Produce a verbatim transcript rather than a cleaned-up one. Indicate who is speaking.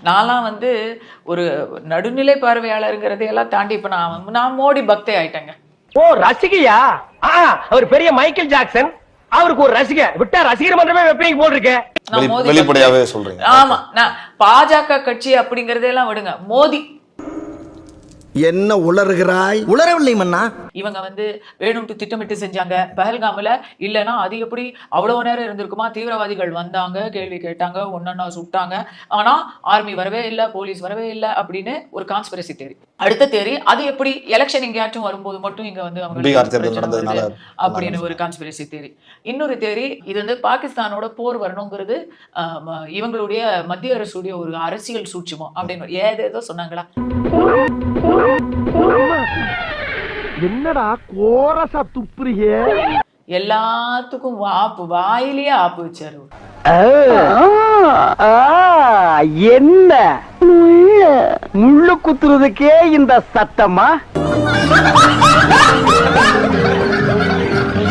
Speaker 1: நான்லாம் வந்து ஒரு நடுநிலை பார்வையாளருங்கிறதையெல்லாம் தாண்டி இப்ப நான் நான் மோடி பக்தே ஆயிட்டேங்க.
Speaker 2: ஓ ரசிகையா? அவர் பெரிய மைக்கேல் ஜாக்சன், அவருக்கு ஒரு ரசிகை விட்டா ரசிகர் மன்றமே வெப்பீங்க போல் இருக்கு.
Speaker 3: வெளிப்படையாவே சொல்றீங்க.
Speaker 1: ஆமா, நான் பாஜக கட்சி அப்படிங்கறதெல்லாம் விடுங்க, மோடி
Speaker 4: என்ன உளறுகிறாய்? உளரவில்லை மன்னா.
Speaker 1: இவங்க வந்து வேணும்ட்டு திட்டமிட்டு செஞ்சாங்க பஹல்காம்ல. இல்லைன்னா அது எப்படி அவ்வளவு நேரம் இருந்திருக்குமா? தீவிரவாதிகள் வந்தாங்க, கேள்வி கேட்டாங்க, ஒன்னொன்னா சுட்டாங்க, ஆனா ஆர்மி வரவே இல்லை, போலீஸ் வரவே இல்லை அப்படின்னு ஒரு கான்ஸ்பிரசி தேரி. அடுத்த தேரி, அது எப்படி எலெக்ஷன் எங்கேயாச்சும் வரும்போது மட்டும் இங்க வந்து அவங்க அப்படின்னு ஒரு கான்ஸ்பிரசி தேரி. இன்னொரு தேரி, இது வந்து பாகிஸ்தானோட போர் வரணுங்கிறது இவங்களுடைய மத்திய அரசுடைய ஒரு அரசியல் சூட்சுமம் அப்படின்னு ஏதேதோ சொன்னாங்களா.
Speaker 2: என்னடா கோரசா துப்புறியே?
Speaker 1: எல்லாத்துக்கும் ஆப்பு, வாயிலேயே ஆப்பு வச்சாரு.
Speaker 2: என்ன முள்ளு குத்துறதுக்கே இந்த சத்தமா?